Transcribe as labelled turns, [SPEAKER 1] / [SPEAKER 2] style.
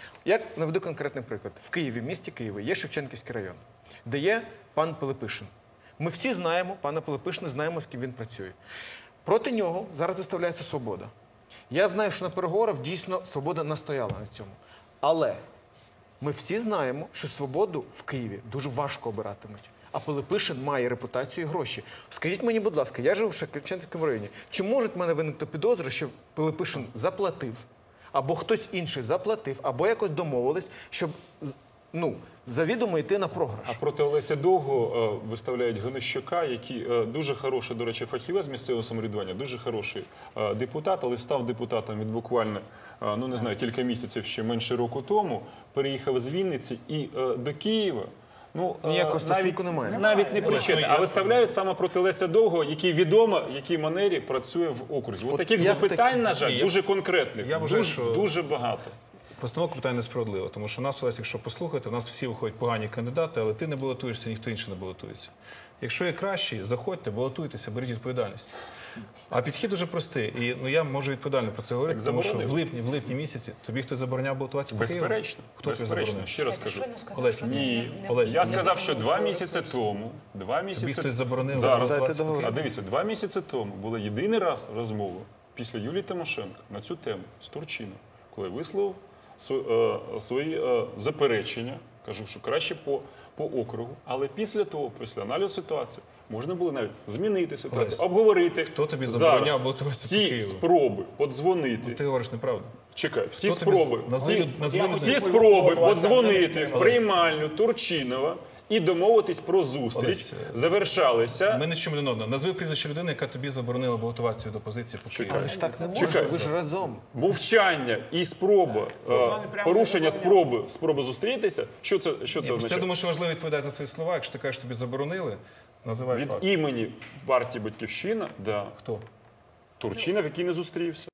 [SPEAKER 1] Я наведу конкретний приклад. В Києві, в місті Києві, є Шевченківський район, де є пан Пилипишин. Ми всі знаємо пана Пилипишина, знаємо, з ким він працює. Проти нього зараз виставляється «Свобода». Я знаю, що на переговорах дійсно «Свобода» настояла на цьому. Але ми всі знаємо, що «Свободу» в Києві дуже важко обиратимуть. А Пилипишин має репутацію і гроші. Скажіть мені, будь ласка, я живу в Шевченківському районі. Чи можуть в мене виникнути підозри, що Пилипишин заплатив, або хтось інший заплатив, або якось домовились, щоб завідомо йти на програш?
[SPEAKER 2] А проти Олеся Довгого виставляють Гонищука, який дуже хороший, до речі, фахівець з місцевого самоврядування, дуже хороший депутат, але став депутатом від буквально, не знаю, кілька місяців, ще менше року тому, переїхав з Вінниці і до Києва.
[SPEAKER 1] Ніякого стосунку немає.
[SPEAKER 2] Навіть не причетний, а виставляють саме проти Олеся Довгого, який відомо, в якій манері працює в окрузі. От таких запитань, на жаль, дуже конкретних, дуже багато.
[SPEAKER 3] Постановка питання несправедлива, тому що нас, Олесь, якщо послухати, у нас всі виходять погані кандидати, але ти не балотуєшся, ніхто інший не балотується. Якщо є кращі, заходьте, балотуйтеся, беріть відповідальність. А підхід дуже простий. І я можу відповідально про це говорити, тому що в липні місяці тобі хтось забороняв балотуватися по Києву?
[SPEAKER 2] Безперечно.
[SPEAKER 3] Хто тобі заборонив?
[SPEAKER 2] Ще раз кажу.
[SPEAKER 3] Олесь,
[SPEAKER 2] Я сказав, що 2 місяці тому,
[SPEAKER 3] тобі хтось заборонив
[SPEAKER 2] зараз,
[SPEAKER 3] балотуватися по Києву?
[SPEAKER 2] а дивіться, 2 місяці тому була єдиний раз розмова після Юлії Тимошенко на цю тему з Турчином, коли висловив свої заперечення, кажу, що краще по округу, але після того, після аналізу ситуації, можна було навіть змінити ситуацію, обговорити.
[SPEAKER 3] Хто тобі забороняв балотуватися по Києву?
[SPEAKER 2] Всі спроби подзвонити.
[SPEAKER 3] Ти говориш неправду.
[SPEAKER 2] Чекай, всі
[SPEAKER 3] Хто тобі
[SPEAKER 2] спроби подзвонити в приймальню Турчинова і домовитись про зустріч завершалися.
[SPEAKER 3] Ми не чуємо один одного. Назви прізвище людини, яка тобі заборонила балотуватися від опозиції по Києву.
[SPEAKER 1] Але ж так не можна, ви ж разом.
[SPEAKER 2] Мовчання і спроба, порушення спроби зустрітися, що це означає?
[SPEAKER 3] Я думаю, що важливо відповідати за свої слова. Якщо ти кажеш, тобі заборонили, називай
[SPEAKER 2] Від
[SPEAKER 3] факт.
[SPEAKER 2] імені партії «Батьківщина»,
[SPEAKER 3] Хто?
[SPEAKER 2] Турчинов, який не зустрівся.